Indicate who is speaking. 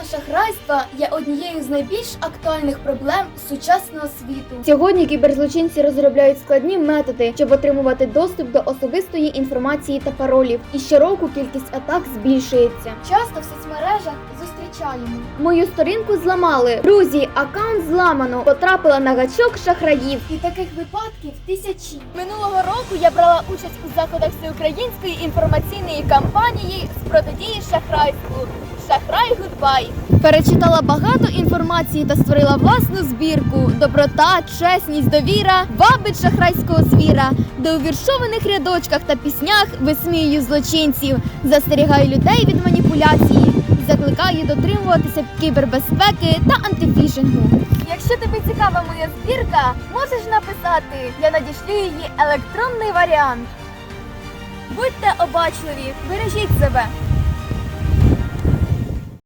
Speaker 1: Кібершахрайства є однією з найбільш актуальних проблем сучасного світу.
Speaker 2: Сьогодні кіберзлочинці розробляють складні методи, щоб отримувати доступ до особистої інформації та паролів. І щороку кількість атак збільшується.
Speaker 1: Часто в соцмережах зустрічаємо.
Speaker 2: Мою сторінку зламали. Друзі, аккаунт зламано. Потрапила на гачок шахраїв.
Speaker 1: І таких випадків тисячі.
Speaker 3: Минулого року я брала участь у заходах всеукраїнської інформаційної кампанії з протидії шахрайству «Шахрай Гудбай». Перечитала багато інформації та створила власну збірку. Доброта, чесність, довіра вабить шахрайського звіра. Де у віршованих рядочках та піснях висміюю злочинців, застерігаю людей від маніпуляції, закликаю дотримуватися кібербезпеки та антифішингу. Якщо тобі цікава моя збірка, можеш написати. Я надішлю її електронний варіант. Будьте обачливі, бережіть себе.